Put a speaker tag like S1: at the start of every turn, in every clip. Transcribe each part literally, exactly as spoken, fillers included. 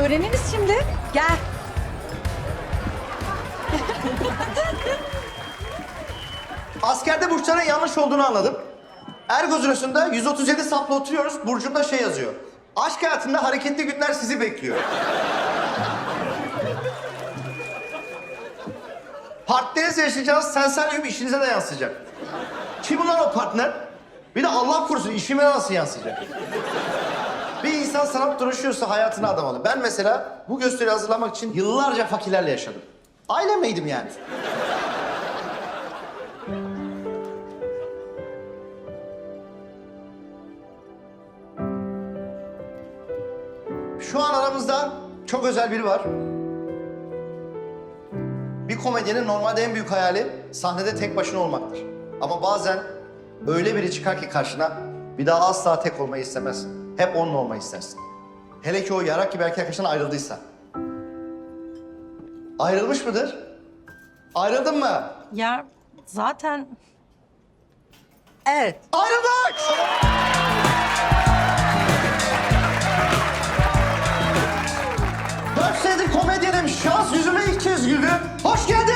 S1: öğreniriz şimdi. Gel.
S2: Askerde burçların yanlış olduğunu anladım. Ergozurası'nda yüz otuz yedi sapla oturuyoruz. Burcumda şey yazıyor. Aşk hayatında hareketli günler sizi bekliyor. Partnerinizle yaşayacağınız sensaryum işinize de yansıyacak. Kim ulan o partner? Bir de Allah korusun işime nasıl yansıyacak? Bir insan sanat duruşuyorsa hayatına adamalı. Ben mesela bu gösteriyi hazırlamak için yıllarca fakirlerle yaşadım. Ailemeydim yani. Şu an aramızda çok özel biri var. Bir komedyenin normalde en büyük hayali sahnede tek başına olmaktır. Ama bazen öyle biri çıkar ki karşına bir daha asla tek olmayı istemez. Hep onunla olmayı istersin. Hele ki o yarak gibi erkek arkadaşından ayrıldıysa. Ayrılmış mıdır? Ayrıldın mı?
S1: Ya zaten... Evet.
S2: Ayrıldık! Dört senedir komedyenim şans yüzüme ilk kez güldü. Hoş geldin!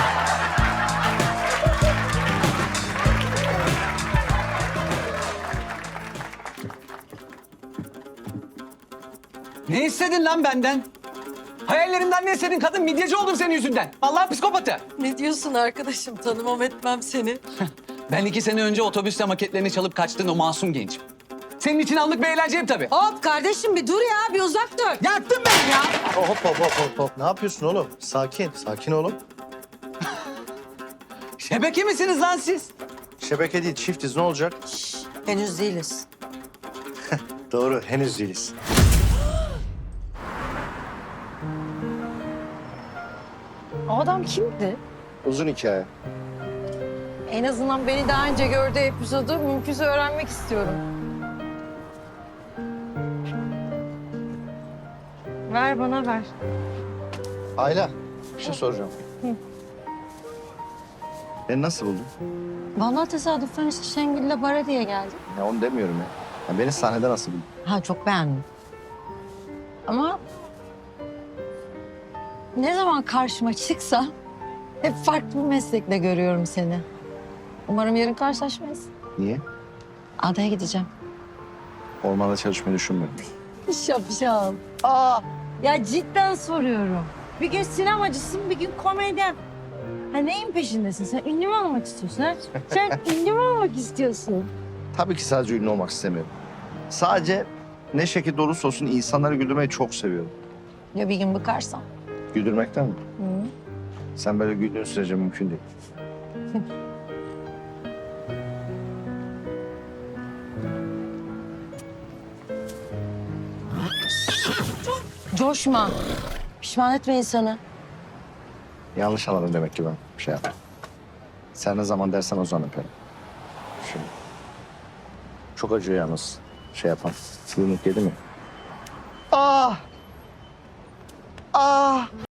S3: Ne istedin lan benden? Hayallerimden ne istedin? Kadın midyeci oldum senin yüzünden. Vallahi psikopatı.
S1: Ne diyorsun arkadaşım? Tanımam etmem seni.
S3: Ben iki sene önce otobüste maketlerini çalıp kaçtığın o masum gençim. Senin için anlık bir eğlenceyim tabii.
S1: Hop kardeşim bir dur ya, bir uzak dur.
S3: Yaktın beni ya.
S2: Hop hop hop hop hop. Ne yapıyorsun oğlum? Sakin, sakin oğlum.
S3: Şebeke misiniz lan siz?
S2: Şebeke değil, çiftiz. Ne olacak?
S1: Henüz değiliz.
S2: Doğru, henüz değiliz.
S1: O adam kimdi?
S2: Uzun hikaye.
S1: En azından beni daha önce gördüğü epizodu mümkünse öğrenmek istiyorum. Ver bana ver.
S2: Ayla, bir şey soracağım. Beni nasıl buldun?
S1: Vallahi tesadüfen işte Şengül'le bara diye geldim.
S2: Ya onu demiyorum ya. ya beni sahnede nasıl buldun?
S1: Ha çok beğendim. Ama ne zaman karşıma çıksa hep farklı bir meslekle görüyorum seni. Umarım yarın karşılaşmayız.
S2: Niye?
S1: Adaya gideceğim.
S2: Ormanda çalışmayı düşünmüyorum.
S1: Şapşal. Aa, ya cidden soruyorum. Bir gün sinemacısın, bir gün komedyen. Ha neyin peşindesin? Sen ünlü mü olmak istiyorsun ha? Sen ünlü mü olmak istiyorsun?
S2: Tabii ki sadece ünlü olmak istemiyorum. Sadece ne şekilde olursa olsun insanları güldürmeyi çok seviyorum.
S1: Ya bir gün bıkarsam?
S2: Güldürmekten mi?
S1: Hı.
S2: Sen böyle güldüğün sürece mümkün değil.
S1: Coşma. Pişman etme insanı.
S2: Yanlış anladım demek ki ben. Bir şey yaptım. Sen ne zaman dersen o zaman öperim. Şimdi. Çok acıyor yalnız şey yapan. Yumruk yedi mi? Ah! Ah!